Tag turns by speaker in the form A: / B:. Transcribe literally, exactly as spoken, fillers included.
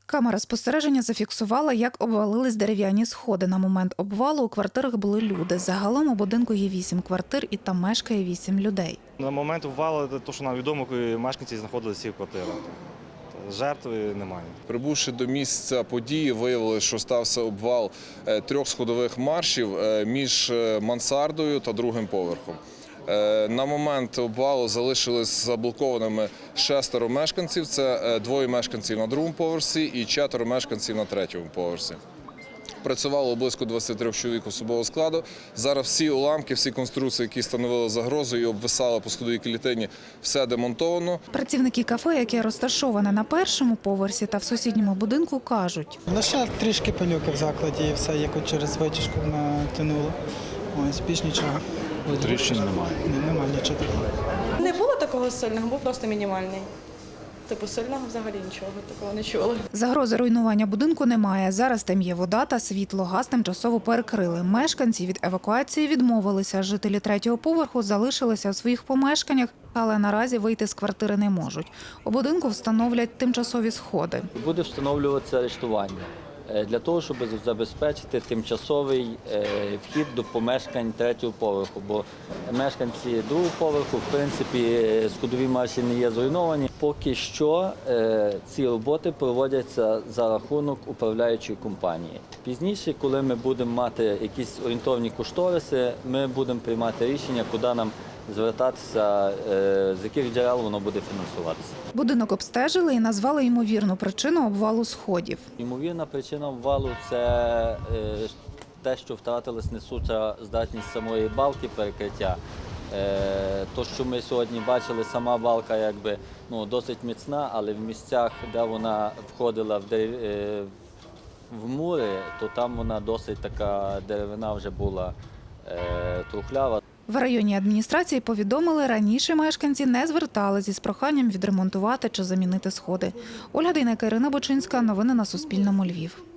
A: Камера спостереження зафіксувала, як обвалились дерев'яні сходи. На момент обвалу у квартирах були люди. Загалом у будинку є вісім квартир і там мешкає вісім людей.
B: На момент обвалу, то, що нам відомо, мешканці знаходилися в квартирах. Жертви немає.
C: Прибувши до місця події, виявили, що стався обвал трьох сходових маршів між мансардою та другим поверхом. На момент обвалу залишились заблокованими шестеро мешканців. Це двоє мешканців на другому поверсі і четверо мешканців на третьому поверсі. Працювало близько двадцяти трьох чоловік особового складу. Зараз всі уламки, всі конструкції, які становили загрозу і обвисали по сходовій клітині, все демонтовано.
A: Працівники кафе, яке розташоване на першому поверсі та в сусідньому будинку, кажуть.
D: Ну, ще трішки пилюки в закладі і все, як от через витяжку натянуло. Ось, більш нічого.
E: Тріщин немає.
D: Ні, немає нічого такого.
F: Не було такого сильного, був просто мінімальний. Типу сильного взагалі нічого такого не чули.
A: Загрози руйнування будинку немає. Зараз там є вода та світло. Газ тимчасово перекрили. Мешканці від евакуації відмовилися. Жителі третього поверху залишилися у своїх помешканнях, але наразі вийти з квартири не можуть. У будинку встановлять тимчасові сходи.
G: Буде встановлюватися арештування для того, щоб забезпечити тимчасовий вхід до помешкань третього поверху, бо мешканці другого поверху, в принципі, сходові марші не є зруйновані. Поки що ці роботи проводяться за рахунок управляючої компанії. Пізніше, коли ми будемо мати якісь орієнтовні кошториси, ми будемо приймати рішення, куди нам звертатися, з яких джерел воно буде фінансуватися.
A: Будинок обстежили і назвали ймовірну причину обвалу сходів.
G: Ймовірна причина обвалу – це те, що втратилась несуча здатність самої балки перекриття. То, що ми сьогодні бачили, сама балка якби, ну, досить міцна, але в місцях, де вона входила в, дерев... в мури, то там вона досить така деревина вже була трухлява.
A: В районній адміністрації повідомили, раніше мешканці не зверталися з проханням відремонтувати чи замінити сходи. Ольга Дейнека, Ірина Бочинська. Новини на Суспільному. Львів.